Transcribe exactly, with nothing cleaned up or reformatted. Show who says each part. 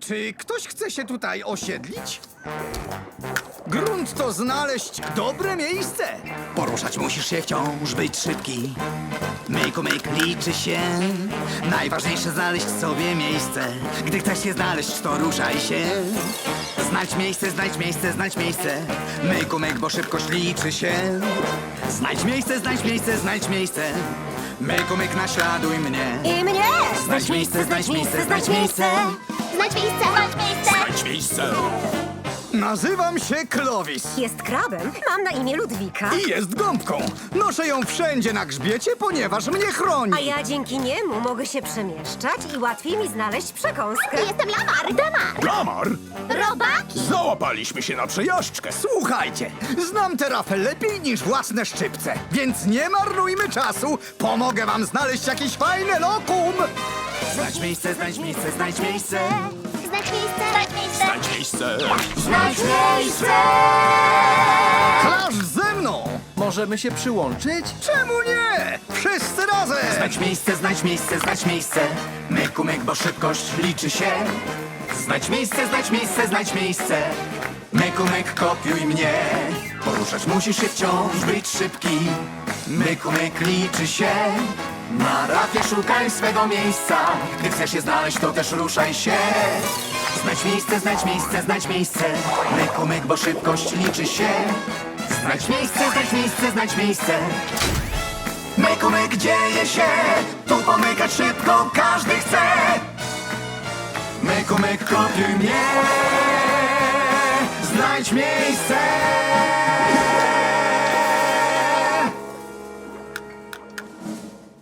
Speaker 1: Czy ktoś chce się tutaj osiedlić? Grunt to znaleźć dobre miejsce.
Speaker 2: Poruszać musisz się wciąż, być szybki. Myku, myk liczy się. Najważniejsze znaleźć sobie miejsce. Gdy chcesz się znaleźć, to ruszaj się. Znajdź miejsce, znajdź miejsce, znajdź miejsce. Myku, myk, bo szybkość liczy się. Znajdź miejsce, znajdź miejsce, znajdź miejsce. Myku, myk, naśladuj mnie.
Speaker 3: I mnie!
Speaker 2: Znajdź miejsce, znajdź miejsce, znajdź miejsce.
Speaker 3: Znajdź miejsce! Znajdź miejsce!
Speaker 2: Znajdź miejsce.
Speaker 1: Nazywam się Clovis
Speaker 3: Jest krabem. Mam na imię Ludwika.
Speaker 1: i jest gąbką. Noszę ją wszędzie na grzbiecie, ponieważ mnie chroni.
Speaker 3: A ja dzięki niemu mogę się przemieszczać i łatwiej mi znaleźć przekąskę.
Speaker 4: Jestem Lamar! Damar!
Speaker 5: Lamar!
Speaker 4: Robaki!
Speaker 5: Załapaliśmy się na przejażdżkę.
Speaker 1: Słuchajcie, znam tę rafę lepiej niż własne szczypce, więc nie marnujmy czasu. Pomogę wam znaleźć jakieś fajne lokum.
Speaker 2: Znajdź miejsce, znajdź miejsce, znajdź miejsce.
Speaker 4: Znajdź miejsce! Znajdź miejsce!
Speaker 5: Znajdź miejsce.
Speaker 4: Znajdź miejsce!
Speaker 1: Klasz ze mną!
Speaker 6: Możemy się przyłączyć?
Speaker 1: Czemu nie? Wszyscy razem!
Speaker 2: Znajdź miejsce, znajdź miejsce, znajdź miejsce. Myku, myk, bo szybkość liczy się. Znajdź miejsce, znajdź miejsce, znajdź miejsce. Myku, myk, kopiuj mnie. Poruszać musisz się wciąż, być szybki. Myku, myk, liczy się. Na rafie szukaj swego miejsca. Gdy chcesz je znaleźć, to też ruszaj się. Znajdź miejsce, znajdź miejsce, znajdź miejsce. Myku, myk, bo szybkość liczy się. Znajdź miejsce, znajdź miejsce, znajdź miejsce. Myku, myk, dzieje się. Tu pomykać szybko każdy chce. Myku, myk, kopiuj mnie. Znajdź miejsce.